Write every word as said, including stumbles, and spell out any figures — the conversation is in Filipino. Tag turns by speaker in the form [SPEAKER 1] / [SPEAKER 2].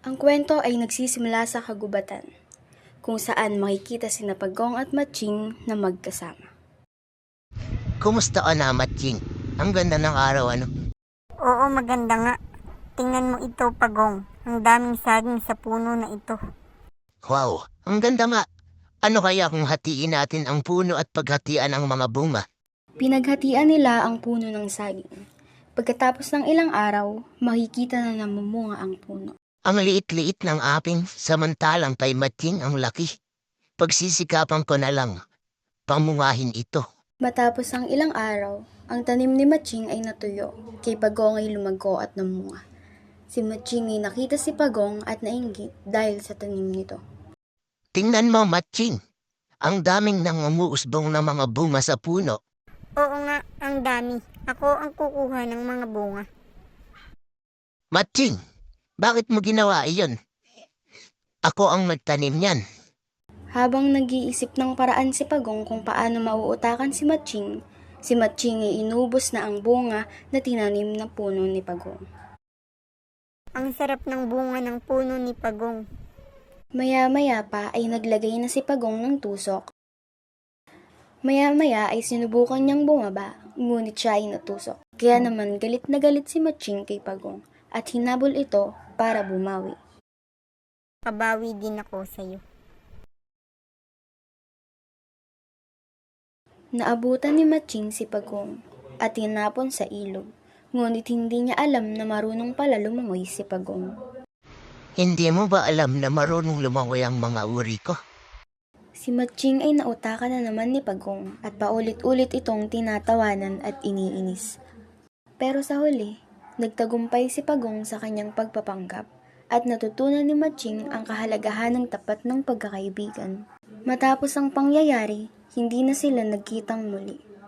[SPEAKER 1] Ang kwento ay nagsisimula sa kagubatan, kung saan makikita sina Pagong at Matching na magkasama.
[SPEAKER 2] Kumusta ka na, Matching? Ang ganda ng araw, ano?
[SPEAKER 3] Oo, maganda nga. Tingnan mo ito, Pagong. Ang daming saging sa puno na ito.
[SPEAKER 2] Wow, ang ganda nga. Ano kaya kung hatiin natin ang puno at paghatian ang mga bunga?
[SPEAKER 1] Pinaghatian nila ang puno ng saging. Pagkatapos ng ilang araw, makikita na namumunga ang puno.
[SPEAKER 2] Ang liit-liit ng aping, samantalang kay Matching ang laki. Pagsisikapan ko na lang, pamungahin ito.
[SPEAKER 1] Matapos ang ilang araw, ang tanim ni Matching ay natuyo, kay Pagong ay lumago at namunga. Si Matching ay nakita si Pagong at nainggit dahil sa tanim nito.
[SPEAKER 2] Tingnan mo, Matching. Ang daming nangunguusbong na mga bunga sa puno.
[SPEAKER 3] Oo nga, ang dami. Ako ang kukuha ng mga bunga.
[SPEAKER 2] Matching, bakit mo ginawa iyon? Ako ang nagtanim niyan.
[SPEAKER 1] Habang nag-iisip ng paraan si Pagong kung paano mauutakan si Matching, si Matching ay inubos na ang bunga na tinanim na puno ni Pagong.
[SPEAKER 3] Ang sarap ng bunga ng puno ni Pagong.
[SPEAKER 1] Maya-maya pa ay naglagay na si Pagong ng tusok. Maya-maya ay sinubukan niyang bumaba, ngunit siya ay natusok. Kaya naman galit na galit si Matching kay Pagong at hinabol ito para bumawi.
[SPEAKER 3] Kabawi din ako sa'yo.
[SPEAKER 1] Naabutan ni Matching si Pagong at tinapon sa ilog, ngunit hindi niya alam na marunong pala lumangoy si Pagong.
[SPEAKER 2] Hindi mo ba alam na marunong lumangoy ang mga uri ko?
[SPEAKER 1] Si Matching ay nautakan na naman ni Pagong at paulit-ulit itong tinatawanan at iniinis. Pero sa huli, nagtagumpay si Pagong sa kanyang pagpapanggap at natutunan ni Matching ang kahalagahan ng tapat ng pagkakaibigan. Matapos ang pangyayari, hindi na sila nagkitang muli.